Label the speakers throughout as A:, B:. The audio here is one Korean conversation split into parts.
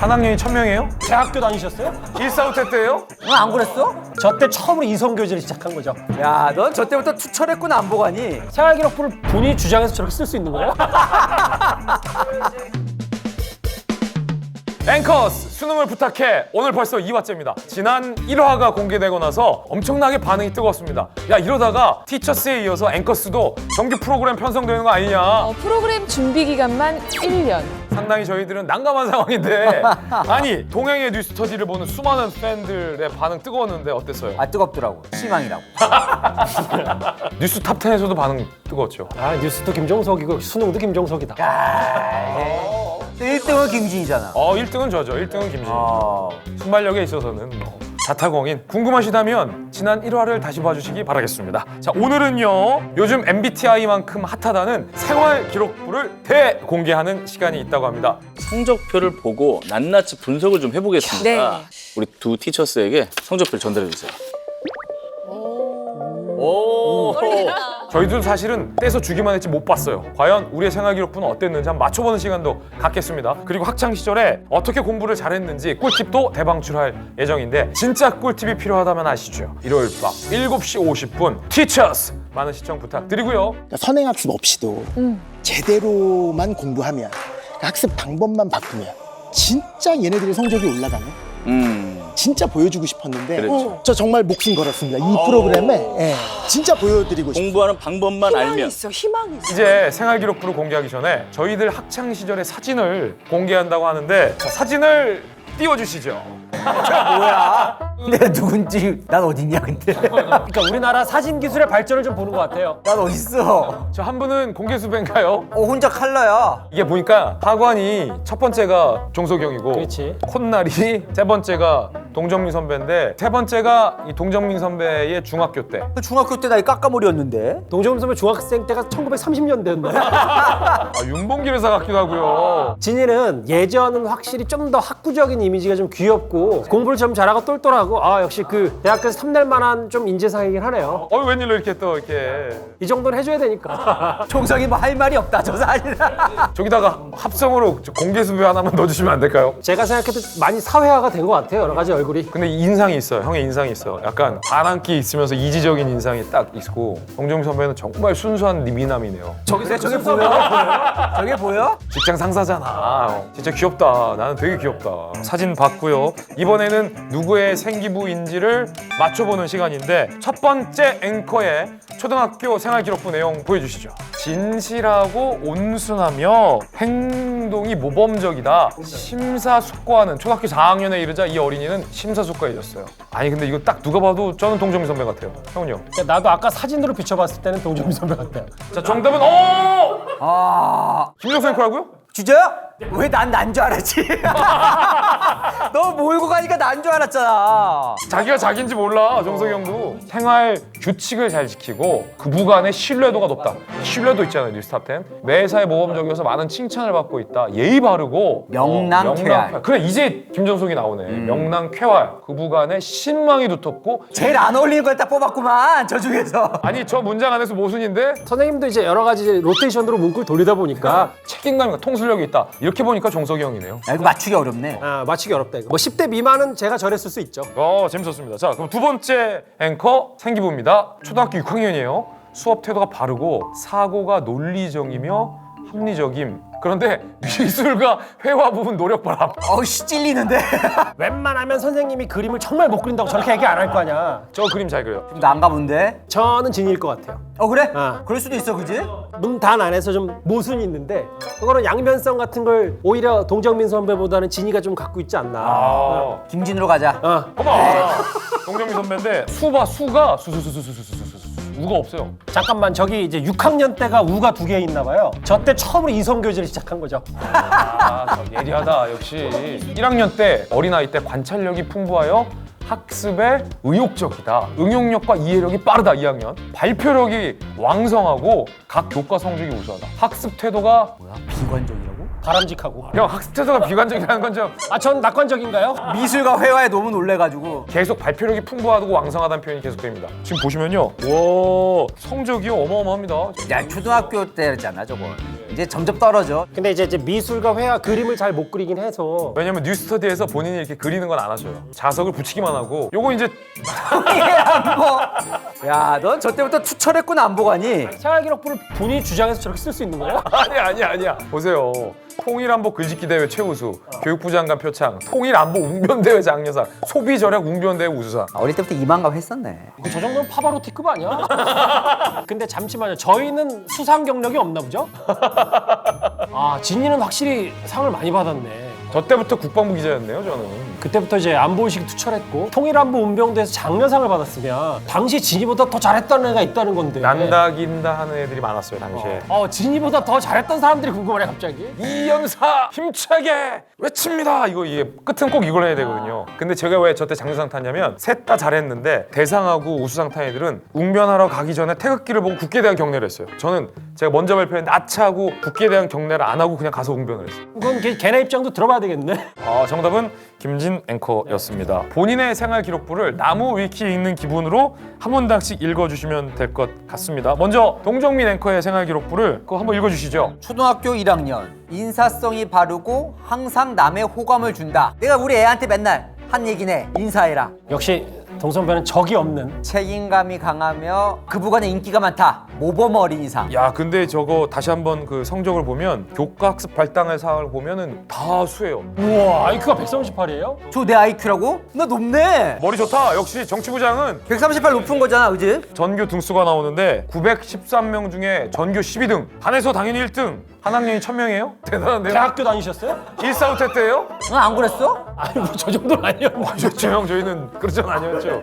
A: 한 학년이 1000명이에요?
B: 대학교 다니셨어요?
A: 일사후퇴 때예요?
C: 안 그랬어?
B: 저 때 처음으로 이성교제를 시작한 거죠.
C: 야, 넌 저 때부터 투철했구나, 안 보가니?
B: 생활기록부를 본인이 주장해서 저렇게 쓸 수 있는 거예요?
A: 앵커스 수능을 부탁해. 오늘 벌써 2화째입니다. 지난 1화가 공개되고 나서 엄청나게 반응이 뜨거웠습니다. 야, 이러다가 티처스에 이어서 앵커스도 정규 프로그램 편성되는 거 아니냐.
D: 프로그램 준비 기간만 1년.
A: 상당히 저희들은 난감한 상황인데 아니 동행의 뉴스터디를 보는 수많은 팬들의 반응 뜨거웠는데 어땠어요?
C: 아, 뜨겁더라고. 실망이라고.
A: 뉴스 탑10에서도 반응 뜨거웠죠.
B: 아, 뉴스도 김종석이고 수능도 김종석이다.
C: 1등은 김진이잖아.
A: 1등은 저죠. 1등은 김진. 순발력에 있어서는 뭐 자타공인. 궁금하시다면 지난 1화를 다시 봐주시기 바라겠습니다. 자, 오늘은요 요즘 MBTI만큼 핫하다는 생활 기록부를 대공개하는 시간이 있다고 합니다.
E: 성적표를 보고 낱낱이 분석을 좀 해보겠습니다.
D: 네.
E: 우리 두 티처스에게 성적표를 전달해 주세요. 오.
A: 저희도 사실은 떼서 주기만 했지 못 봤어요. 과연 우리의 생활 기록부는 어땠는지 한번 맞춰보는 시간도 갖겠습니다. 그리고 학창 시절에 어떻게 공부를 잘했는지 꿀팁도 대방출할 예정인데 진짜 꿀팁이 필요하다면 아시죠? 일요일 밤 7시 50분 티처스 많은 시청 부탁드리고요.
F: 그러니까 선행학습 없이도 제대로만 공부하면 그러니까 학습 방법만 바꾸면 진짜 얘네들의 성적이 올라가네. 진짜 보여주고 싶었는데
E: 그렇죠.
F: 저 정말 목숨 걸었습니다. 이 프로그램에 진짜 보여드리고 싶어요.
E: 공부하는 방법만 알면
D: 희망이 있어.
A: 이제 생활 기록부를 공개하기 전에 저희들 학창 시절의 사진을 공개한다고 하는데 자, 사진을 띄워주시죠.
C: 내가 누군지 난 어딨냐, 근데.
B: 그러니까 우리나라 사진 기술의 발전을 좀 보는 것 같아요.
C: 난 어딨어?
A: 저 한 분은 공개 수배인가요?
C: 혼자 칼라야.
A: 이게 보니까 하관이 첫 번째가 종석이 형이고
B: 그렇지.
A: 콧날이 세 번째가 동정민 선배인데 세 번째가 이 동정민 선배의 중학교 때.
C: 중학교 때 나이 깎아머리였는데.
B: 동정민 선배 중학생 때가 1930년대였나요?
A: 윤봉길 여사 같기도 하고요.
B: 진이는 예전은 확실히 좀 더 학구적인 이미지가 좀 귀엽고 공부를 좀 잘하고 똘똘하고 역시 그 대학교에서 탐낼 만한 좀 인재상이긴 하네요.
A: 웬일로 이렇게 또 이렇게
B: 이 정도는 해줘야 되니까.
C: 총석이 뭐 할 말이 없다, 저 사진.
A: 저기다가 합성으로 공개 수배 하나만 넣어주시면 안 될까요?
B: 제가 생각해도 많이 사회화가 된 것 같아요, 여러 가지 얼굴이.
A: 근데 인상이 있어요. 형의 인상이 있어. 약간 반항기 있으면서 이지적인 인상이 딱 있고 동정민 선배는 정말 순수한 미남이네요.
C: 저게 보여? 저게 보여?
A: 직장 상사잖아. 진짜 귀엽다. 나는 되게 귀엽다. 사진 봤고요. 이번에는 누구의 생기부인지를 맞춰보는 시간인데 첫 번째 앵커의 초등학교 생활기록부 내용 보여주시죠. 진실하고 온순하며 행동이 모범적이다. 심사숙고하는 초등학교 4학년에 이르자 이 어린이는 심사숙고해졌어요. 아니 근데 이거 딱 누가 봐도 저는 동정민 선배 같아요. 형은요?
B: 나도 아까 사진으로 비춰봤을 때는 동정민 선배 같아요.
A: 자, 정답은 김정수 앵커라고요?
C: 주저야? 왜 난 줄 알았지? 너 몰고 가니까 난 줄 알았잖아.
A: 자기가 자기인지 몰라. 정석이 형도 생활 규칙을 잘 지키고 그부 간의 신뢰도가 높다. 신뢰도 있잖아요. 뉴스탑10 매사에 모범적이어서 많은 칭찬을 받고 있다. 예의 바르고
C: 명랑쾌활.
A: 그래 이제 김정석이 나오네. 명랑쾌활. 그부 간의 신망이 두텁고
C: 제일 안 어울리는 걸 딱 뽑았구만, 저 중에서.
A: 아니 저 문장 안에서 모순인데
B: 선생님도 이제 여러 가지 로테이션으로 문구를 돌리다 보니까
A: 책임감과 통솔력이 있다. 이렇게 보니까 정석이 형이네요.
C: 야, 이거 맞추기 어렵네.
B: 맞추기 어렵다 이거. 뭐 10대 미만은 제가 저랬을 수 있죠.
A: 재밌었습니다. 자, 그럼 두 번째 앵커 생기부입니다. 초등학교 6학년이에요. 수업 태도가 바르고 사고가 논리적이며 합리적임. 그런데 미술과 회화 부분 노력 바람.
C: 씨, 찔리는데.
B: 웬만하면 선생님이 그림을 정말 못 그린다고 저렇게 얘기 안 할 거 아니야.
A: 저 그림 잘 그려요.
C: 좀 난가 본데?
B: 저는 진일 것 같아요.
C: 그래?
B: 아.
C: 그럴 수도 있어, 그지?
B: 문단 안에서 좀 모순이 있는데 그거는 양면성 같은 걸 오히려 동정민 선배보다는 진이가 좀 갖고 있지 않나.
C: 김진으로 가자.
A: 어머, 동정민 선배인데 수가 수수수수수수수수 우가 없어요.
B: 잠깐만, 저기 이제 6학년 때가 우가 2개 있나 봐요. 저 때 처음으로 이성교제를 시작한 거죠.
A: 저 예리하다 역시. 1학년 때 어린아이 때 관찰력이 풍부하여 학습에 의욕적이다. 응용력과 이해력이 빠르다. 2학년 발표력이 왕성하고 각 교과 성적이 우수하다. 학습 태도가
C: 뭐야? 비관적이라고?
B: 바람직하고.
A: 형 학습 태도가 비관적이라는 건 좀
B: 전 낙관적인가요?
C: 미술과 회화에 너무 놀래가지고.
A: 계속 발표력이 풍부하고 왕성하다는 표현이 계속됩니다. 지금 보시면요, 와 성적이 어마어마합니다.
C: 야, 초등학교 때잖아, 저거. 이제 점점 떨어져.
B: 근데 이제 미술과 회화 그림을 잘 못 그리긴 해서
A: 왜냐면 뉴스터디에서 본인이 이렇게 그리는 건 안 하셔요. 자석을 붙이기만 하고 요거 이제
C: 야, 넌 저 때부터 투철했구나 안보가니.
B: 생활기록부를 본인이 주장해서 저렇게 쓸 수 있는 거예요?
A: 아니야. 보세요. 통일안보 글짓기 대회 최우수, 교육부 장관 표창, 통일안보 웅변대회 장려상, 소비절약 웅변대회 우수상.
C: 어릴 때부터 이만감 했었네.
B: 저 정도면 파바로티급 아니야? 근데 잠시만요. 저희는 수상 경력이 없나 보죠? 아, 진이는 확실히 상을 많이 받았네.
A: 저 때부터 국방부 기자였네요, 저는.
B: 그때부터 이제 안보의식이 투철했고 통일안보 운병대에서 장려상을 받았으면 당시 진이보다 더 잘했다는 애가 있다는 건데.
A: 난다긴다 하는 애들이 많았어요, 당시에.
B: 진이보다 더 잘했던 사람들이 궁금하네 갑자기.
A: 이연사 힘차게 외칩니다. 이게 끝은 꼭 이걸 해야 되거든요. 근데 제가 왜 저때 장려상 탔냐면 셋 다 잘했는데 대상하고 우수상 탄 애들은 웅변하러 가기 전에 태극기를 보고 국기에 대한 경례를 했어요. 저는 제가 먼저 발표했는데 아차하고 국기에 대한 경례를 안 하고 그냥 가서 웅변을 했어요.
B: 그건 걔네 입장도 들어봐야 되겠네.
A: 정답은 김진 앵커였습니다. 본인의 생활 기록부를 나무 위키 읽는 기분으로 한 문장씩 읽어주시면 될 것 같습니다. 먼저 동정민 앵커의 생활 기록부를 그거 한번 읽어주시죠.
C: 초등학교 1학년. 인사성이 바르고 항상 남의 호감을 준다. 내가 우리 애한테 맨날 한 얘기네. 인사해라.
B: 역시 동성배는 적이 없는.
C: 책임감이 강하며 그부간에 인기가 많다. 모범 어린이상.
A: 야, 근데 저거 다시 한번 그 성적을 보면 교과학습 발당의 상을 보면은 다 수예요.
B: 우와, IQ가 138이에요?
C: 저 내 IQ라고? 나 높네.
A: 머리 좋다. 역시 정치부장은
C: 138 높은 거잖아, 그지?
A: 전교 등수가 나오는데 913명 중에 전교 12등. 반에서 당연히 1등. 한 학년이 1000명이에요? 대단한데요?
B: 대학교 다니셨어요?
A: 일사후퇴 때예요?
C: 너 안 그랬어?
B: 아니 뭐 저 정도는 아니었는데.
A: 그렇죠, 형. 저희는 그런 건 아니었죠.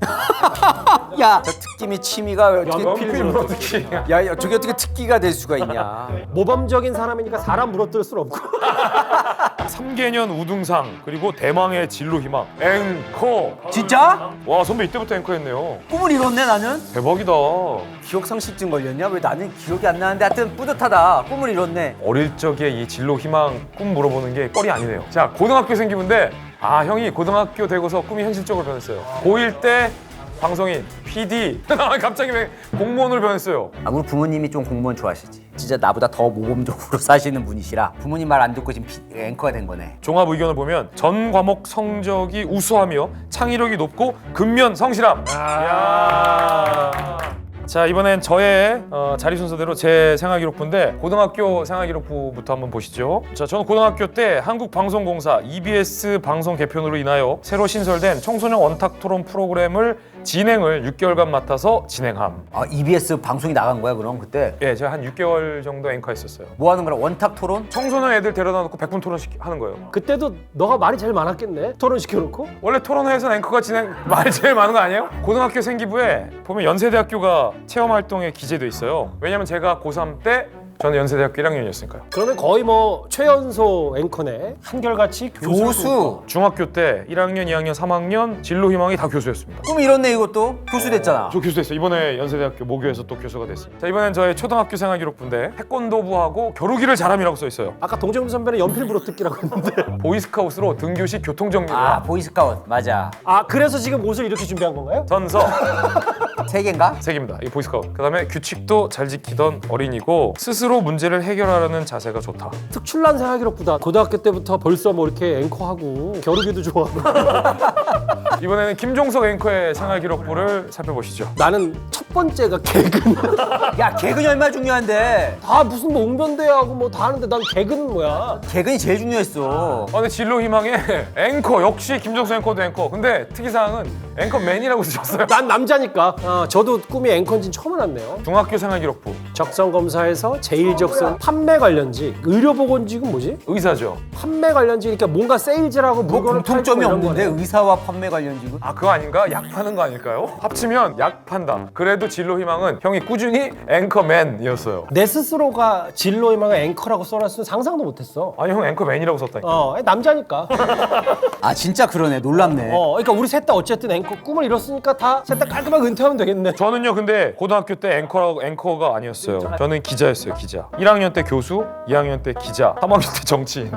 C: 야, 저 특기미 취미가 어떻게
A: 연필 물어뜯기.
C: 야, 저게 어떻게 특기가 될 수가 있냐?
B: 모범적인 사람이니까 사람 물어뜯을 순 없고.
A: 3개년 우등상 그리고 대망의 진로 희망 앵커.
C: 진짜?
A: 와, 선배 이때부터 앵커했네요.
C: 꿈을 이뤘네 나는.
A: 대박이다.
C: 기억 상실증 걸렸냐? 왜 나는 기억이 안 나는데 하여튼 뿌듯하다. 꿈을 이뤘네.
A: 어릴 적에 이 진로 희망 꿈 물어보는 게 뻘이 아니네요. 자, 고등학교 생기는데 형이 고등학교 되고서 꿈이 현실적으로 변했어요. 고1 때 방송인, PD 갑자기 왜 공무원으로 변했어요.
C: 우리 부모님이 좀 공무원 좋아하시지. 진짜 나보다 더 모범적으로 사시는 분이시라 부모님 말 안 듣고 지금 앵커가 된 거네.
A: 종합 의견을 보면 전 과목 성적이 우수하며 창의력이 높고 근면 성실함. 자, 이번엔 저의 자리 순서대로 제 생활기록부인데 고등학교 생활기록부부터 한번 보시죠. 자, 저는 고등학교 때 한국방송공사 EBS 방송 개편으로 인하여 새로 신설된 청소년 원탁 토론 프로그램을 진행을 6개월간 맡아서 진행함.
C: EBS 방송이 나간 거야 그럼 그때?
A: 예, 제가 한 6개월 정도 앵커했었어요.
C: 뭐 하는 거라? 원탁 토론?
A: 청소년 애들 데려다 놓고 100분 토론 하는 거예요.
B: 그때도 너가 말이 제일 많았겠네. 토론 시켜놓고.
A: 원래 토론회에서는 앵커가 말이 제일 많은 거 아니에요? 고등학교 생기부에 보면 연세대학교가 체험활동에 기재돼 있어요. 왜냐면 제가 고3 때 저는 연세대학교 1학년이었으니까요.
B: 그러면 거의 뭐 최연소 앵커네. 한결같이
C: 교수.
A: 중학교 때 1학년, 2학년, 3학년 진로 희망이 다 교수였습니다.
C: 꿈 이뤘네 이것도. 교수 됐잖아.
A: 저 교수 됐어요. 이번에 연세대학교 모교에서 또 교수가 됐습니다. 자, 이번엔 저의 초등학교 생활 기록부인데 태권도부하고 겨루기를 잘함이라고 써 있어요.
B: 아까 동정민 선배는 연필 물어뜯기라고 했는데.
A: 보이스카우트로 등교시 교통정리를
C: 보이스카웃 맞아.
B: 그래서 지금 옷을 이렇게 준비한 건가요?
A: 전서
C: 3개인가?
A: 책입니다. 이 보이스카우트. 그다음에 규칙도 잘 지키던 어린이고 스스로 문제를 해결하려는 자세가 좋다.
B: 특출난 생활기록보다 고등학교 때부터 벌써 뭐 이렇게 앵커하고 겨루기도 좋아하고.
A: 이번에는 김종석 앵커의 생활 기록부를 살펴보시죠.
B: 나는 첫 번째가 개근.
C: 야, 개근이 얼마나 중요한데.
B: 다 무슨 뭐 웅변대하고 뭐 다 하는데 난 개근은 뭐야?
C: 개근이 제일 중요했어.
A: 근데 진로 희망에 앵커 역시 김종석 앵커도 앵커. 근데 특이사항은 앵커맨이라고 쓰셨어요.
B: 난 남자니까. 저도 꿈이 앵커인지는 처음 알았네요.
A: 중학교 생활 기록부.
B: 적성검사에서 제일 적성 판매 관련직. 의료보건직은 뭐지?
A: 의사죠.
B: 판매 관련직. 그러니까 뭔가 세일즈라고
C: 뭐
B: 물건을
C: 공통점이
B: 팔고 이런
C: 없는데
B: 거네.
C: 의사와 판매 관련직은?
A: 그거 아닌가? 약 파는 거 아닐까요? 합치면 약 판다. 그래도 진로 희망은 형이 꾸준히 앵커맨이었어요.
B: 내 스스로가 진로희망을 앵커라고 써놨으면 상상도 못했어.
A: 아니, 형 앵커맨이라고 썼다니까.
B: 남자니까.
C: 진짜 그러네. 놀랍네.
B: 그러니까 우리 셋 다 어쨌든 앵커 꿈을 이뤘으니까 다 셋 다 깔끔하게 은퇴하면 되겠네.
A: 저는요, 근데 고등학교 때 앵커가 아니었어요. 저는 기자였어요, 기자. 1학년 때 교수, 2학년 때 기자, 3학년 때 정치인.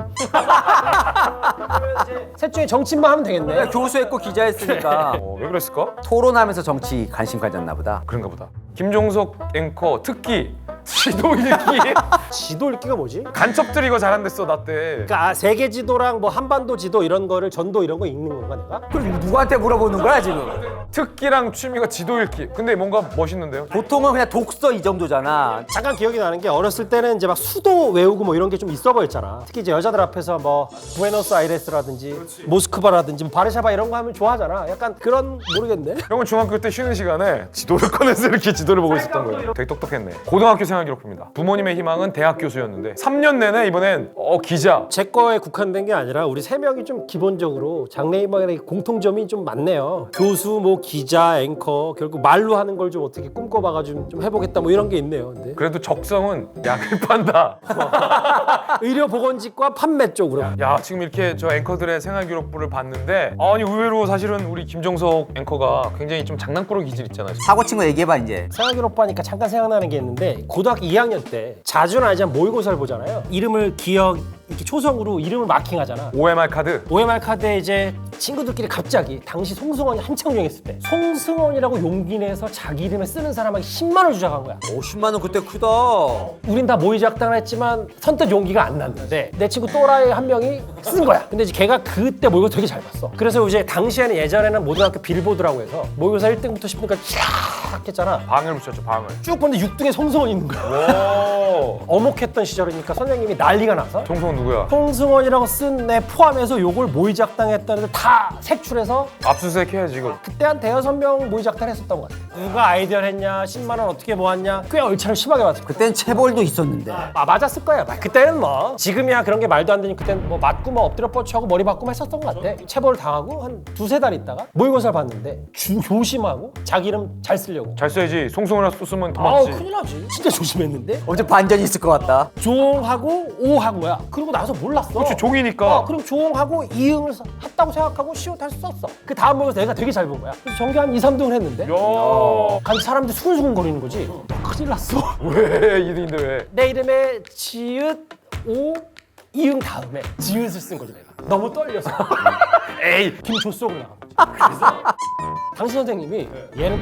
B: 셋 중에 정치인만 하면 되겠네.
C: 교수했고 기자했으니까
A: 왜 그랬을까?
C: 토론하면서 정치 관심 가졌나 보다.
A: 그런가 보다. 김종석 앵커 특기 지도 읽기?
B: 지도 읽기가 뭐지?
A: 간첩들 이거 잘한댔어 나 때.
B: 그러니까 세계 지도랑 뭐 한반도 지도 이런 거를 전도 이런 거 읽는 건가 내가?
C: 그럼 누구한테 물어보는 거야 지금?
A: 특기랑 취미가 지도 읽기. 근데 뭔가 멋있는데요?
C: 보통은 그냥 독서 이 정도잖아.
B: 잠깐 기억이 나는 게 어렸을 때는 이제 막 수도 외우고 뭐 이런 게 좀 있어 보였잖아. 특히 이제 여자들 앞에서 뭐 부에노스아이레스라든지 모스크바라든지 뭐 바르샤바 이런 거 하면 좋아하잖아. 약간 그런 모르겠네.
A: 형은 중학교 때 쉬는 시간에 지도를 꺼내서 이렇게 지도를 보고 있었던 거예요. 되게 똑똑했네. 고등학교 생활 기록부입니다. 부모님의 희망은 대학 교수였는데 3년 내내 이번엔 기자.
B: 제 거에 국한된 게 아니라 우리 세 명이 좀 기본적으로 장래희망에 공통점이 좀 많네요. 교수, 뭐 기자, 앵커 결국 말로 하는 걸 좀 어떻게 꿈꿔봐가지고 좀 해보겠다 뭐 이런 게 있네요. 근데
A: 그래도 적성은 약을 판다.
B: 의료보건직과 판매 쪽으로.
A: 야 지금 이렇게 저 앵커들의 생활 기록부를 봤는데 아니 의외로 사실은 우리 김종석 앵커가 굉장히 좀 장난꾸러기 기질 있잖아요.
C: 사고 친거 얘기해봐 이제.
B: 생활기록부 하니까 잠깐 생각나는 게 있는데 고등학교 2학년 때 자주는 아니지만 모의고사를 보잖아요. 이름을 기억 이렇게 초성으로 이름을 마킹하잖아.
A: OMR 카드.
B: OMR 카드에 이제 친구들끼리 갑자기 당시 송승헌이 한창 유행했을 때 송승헌이라고 용기 내서 자기 이름에 쓰는 사람에게 10만 원 주자고 한 거야.
C: 50만 원 그때 크다.
B: 우린 다 모의작당을 했지만 선뜻 용기가 안 났는데 내 친구 또라이 한 명이 쓴 거야. 근데 이제 걔가 그때 모의고사 되게 잘 봤어. 그래서 이제 당시에는 예전에는 모등학교 빌보드라고 해서 모의고사 1등부터 10등까지 쫙 했잖아.
A: 방을 붙였죠 방을.
B: 쭉 보는데 6등에 송승헌이 있는 거야.
A: 오.
B: 어목했던 시절이니까 선생님이 난리가 나서
A: 종성 누구야?
B: 송승헌이라고 쓴 애 포함해서 요걸 모의작당했다는 애들 다 색출해서
A: 압수수색 해야지 이거.
B: 그때 한 대여섯 명 모의작당 했었던 것 같아. 누가 아이디어를 했냐, 10만 원 어떻게 모았냐, 꽤 얼차를 심하게 맞았어.
C: 그땐 체벌도 있었는데.
B: 맞았을 거야. 그때는 뭐 지금이야 그런 게 말도 안 되니 그때는 뭐 맞고 뭐 엎드려 뻗쳐하고 머리 박고 했었던 것 같아. 체벌 당하고 한 두세 달 있다가 모의고사를 봤는데 조심하고 자기 이름 잘 쓰려고.
A: 잘 써야지. 송승헌이라 썼으면
B: 아우
A: 도망치.
B: 큰일 나지. 진짜 조심했는데
C: 어제 반전이 있을 것 같다.
B: 조하고 오한 거야. 그리고 나서 몰랐어.
A: 그렇지 종이니까.
B: 그럼 조하고 이응을 했다고 생각하고 시옷 할 수 썼어. 그 다음 모의고사 내가 되게 잘 본 거야. 그래서 전교 한 2, 3등을 했는데
A: 야.
B: 간 사람들이 수근수근 거리는 거지. 큰일 났어.
A: 왜 이등인데 왜?
B: 내 이름에 지읒, 오, 이응 다음에 지읒을 쓴 거지 내가. 너무 떨려서.
A: 에이.
B: 김조속으로 나간 거지. 그래서 당신 선생님이 얘는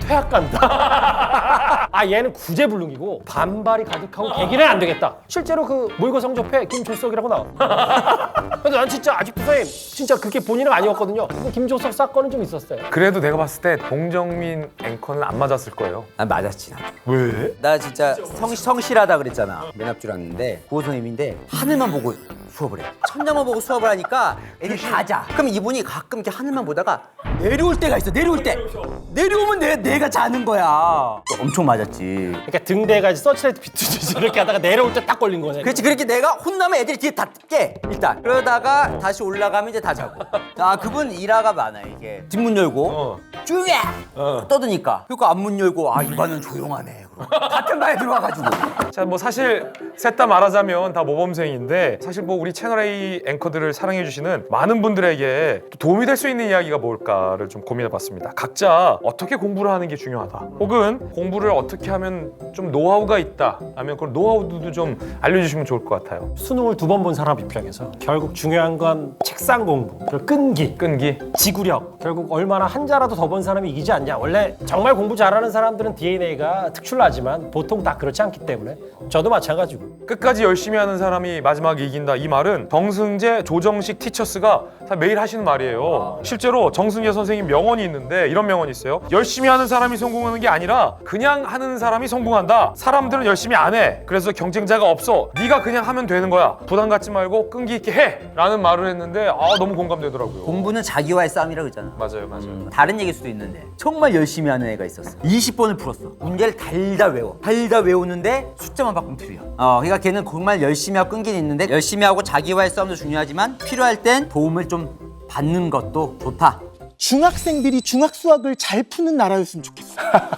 B: 퇴학간다. 아 얘는 구제불능이고 반발이 가득하고 개기는 안 되겠다. 실제로 그 모의고사 성적표에 김조석이라고 나와. 근데 난 진짜 아직도 선생님 진짜 그게 본인은 아니었거든요. 근데 김조석 사건은 좀 있었어요.
A: 그래도 내가 봤을 때 봉정민 앵커는 안 맞았을 거예요.
C: 난 맞았지.
A: 왜?
C: 나 진짜 성실하다 그랬잖아. 맨 앞줄 왔는데 구호 선생님인데 하늘만 보고 수업을 해. 천장만 보고 수업을 하니까 애들이 다 자. 그럼 이분이 가끔 이렇게 하늘만 보다가 내려올 때가 있어. 내려올 때. 내려오면 내가 자는 거야. 엄청 맞았지.
B: 그러니까 등대가 이제 서치라이트 비추듯이 이렇게 하다가 내려올 때 딱 걸린 거네.
C: 그렇지. 그렇게 내가 혼나면 애들이 뒤에 다 깨. 일단. 그러다가 다시 올라가면 이제 다 자고. 아 그분 일화가 많아 이게. 뒷문 열고 조용해. 떠드니까. 그리고 앞문 열고 아 이 반은 조용하네. 같은 반에 들어와가지고.
A: 자, 뭐 사실 셋 다 말하자면 다 모범생인데 사실 뭐 우리 채널A 앵커들을 사랑해주시는 많은 분들에게 또 도움이 될 수 있는 이야기가 뭘까를 좀 고민해봤습니다. 각자 어떻게 공부를 하는 게 중요하다. 혹은 공부를 어떻게 하면 좀 노하우가 있다. 아니면 그런 노하우도 좀 알려주시면 좋을 것 같아요.
B: 수능을 2번 본 사람 입장에서 결국 중요한 건 책상 공부, 그리고 끈기, 지구력. 결국 얼마나 한자라도 더 본 사람이 이기지 않냐. 원래 정말 공부 잘하는 사람들은 DNA가 특출나지만 보통 다 그렇지 않기 때문에 저도 마찬가지고.
A: 끝까지 열심히 하는 사람이 마지막에 이긴다. 이 말은 정승재, 조정식 티처스가 다 매일 하시는 말이에요. 실제로 정승재 선생님 명언이 있는데 이런 명언이 있어요. 열심히 하는 사람이 성공하는 게 아니라 그냥 하는 사람이 성공한다. 사람들은 열심히 안 해. 그래서 경쟁자가 없어. 네가 그냥 하면 되는 거야. 부담 갖지 말고 끈기 있게 해. 라는 말을 했는데 너무 공감되더라고요.
C: 공부는 자기와의 싸움이라 그러잖아.
A: 맞아요.
C: 다른 얘기일 수도 있는데 정말 열심히 하는 애가 있었어. 20번을 풀었어. 문제를 달달 외워. 달달 외우는데 숫자만 바꾸면 틀려. 그러니까 걔는 정말 열심히 하고 끈기는 있는데 열심히 하고 자기와의 싸움도 중요하지만 필요할 땐 도움을 좀 받는 것도 좋다.
F: 중학생들이 중학 수학을 잘 푸는 나라였으면 좋겠어.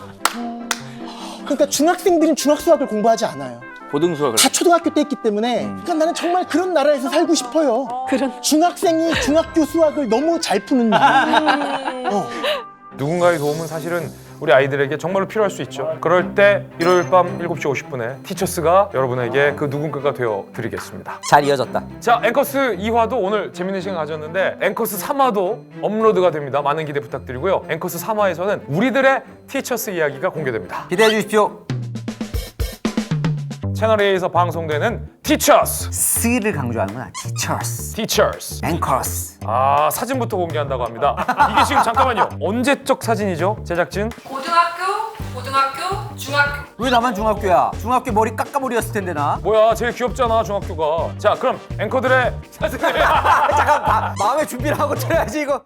F: 그러니까 중학생들은 중학 수학을 공부하지 않아요.
E: 고등수학을.
F: 다 초등학교 때 했기 때문에 그러니까 나는 정말 그런 나라에서 살고 싶어요. 중학생이 중학교 수학을 너무 잘 푸는 나라.
A: 누군가의 도움은 사실은 우리 아이들에게 정말로 필요할 수 있죠. 그럴 때 일요일 밤 7시 50분에 티처스가 여러분에게 그 누군가가 되어 드리겠습니다.
C: 잘 이어졌다.
A: 자, 앵커스 2화도 오늘 재밌는 시간 가졌는데 앵커스 3화도 업로드가 됩니다. 많은 기대 부탁드리고요. 앵커스 3화에서는 우리들의 티처스 이야기가 공개됩니다.
C: 기대해 주십시오.
A: 채널 A에서 방송되는 Teachers.
C: 스를 강조하는구나. Teachers,
A: Teachers.
C: Anchors.
A: 아, 사진부터 공개한다고 합니다. 이게 지금 잠깐만요. 언제적 사진이죠, 제작진?
G: 고등학교, 중학교.
C: 왜 나만 중학교야? 중학교 머리 깎아머리였을 텐데 나.
A: 뭐야, 제일 귀엽잖아, 중학교가. 자, 그럼 앵커들의 사진을
C: 잠깐 마음의 준비를 하고 들어야지 이거.